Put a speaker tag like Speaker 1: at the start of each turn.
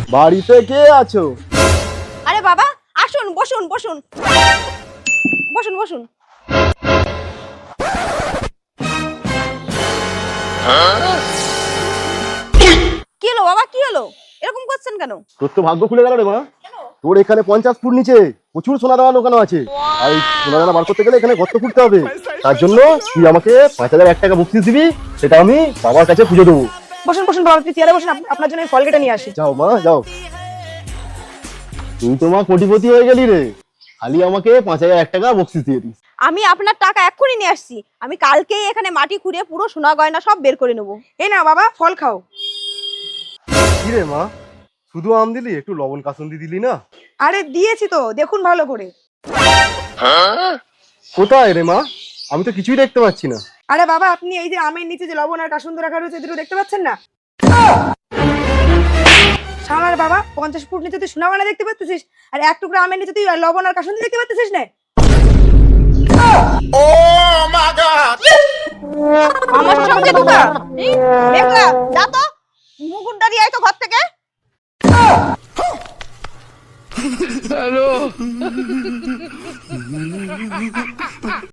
Speaker 1: বাড়িতে কে আছো?
Speaker 2: আরে বাবা আসুন, বসুন বসুন বসুন বসুন। কি হলো বাবা, কি হলো? এরকম করছেন কেন?
Speaker 1: তোর তো ভাগ্য খুলে গেল রে মা। তোর এখানে 50 ফুট নিচে প্রচুর সোনা দানা দোকান আছে। আর এই সোনা দানা বার করতে গেলে এখানে গর্ত খুঁড়তে হবে। তার জন্য তুই আমাকে 5001 টাকা বকশিস দিবি, সেটা আমি বাবার কাছে পুজো দেবো।
Speaker 3: বসুন বসুন বাবা, আপনি চেয়ারে বসুন, আপনার জন্য ফল কেটে নিয়ে আসি।
Speaker 1: যাও মা যাও। তুই তো মা কোটিপতি হয়ে গেলি রে, খালি আমাকে 5001 টাকা বকশিস দিয়ে দিস।
Speaker 2: আমি আপনার টাকা এক্ষুনি নিয়ে আসছি। আমি কালকেই এখানে মাটি খুঁড়ে পুরো সোনা গয়না সব বের করে নেবো।
Speaker 3: এই না বাবা, ফল খাও।
Speaker 1: কি রে মা, শুধু আম দিলি, একটু লবণ কাসুন্দি দিলি না?
Speaker 3: আরে দিয়েছি তো, দেখুন ভালো করে।
Speaker 1: কোথায় রে মা? আমি তো কিছুই দেখতে পাচ্ছি না।
Speaker 3: আরে বাবা, আপনি এই যে আমের নিচে যে লবণ আর কাসুন্দ রাখা রয়েছে, দুটো দেখতে পাচ্ছেন না? শালার বাবা, 50 ফুট নিচে তুই সোনা গয়না দেখতে পাচ্ছিস, আর এক টুকরা আমের নিচে তুই লবণ আর কাসুন্দ দেখতে পাচ্ছিস না?
Speaker 2: আমার সঙ্গে দুটা দেখলা, যা তো মুগুর দাঁড়িয়ে আয় তো ঘর থেকে।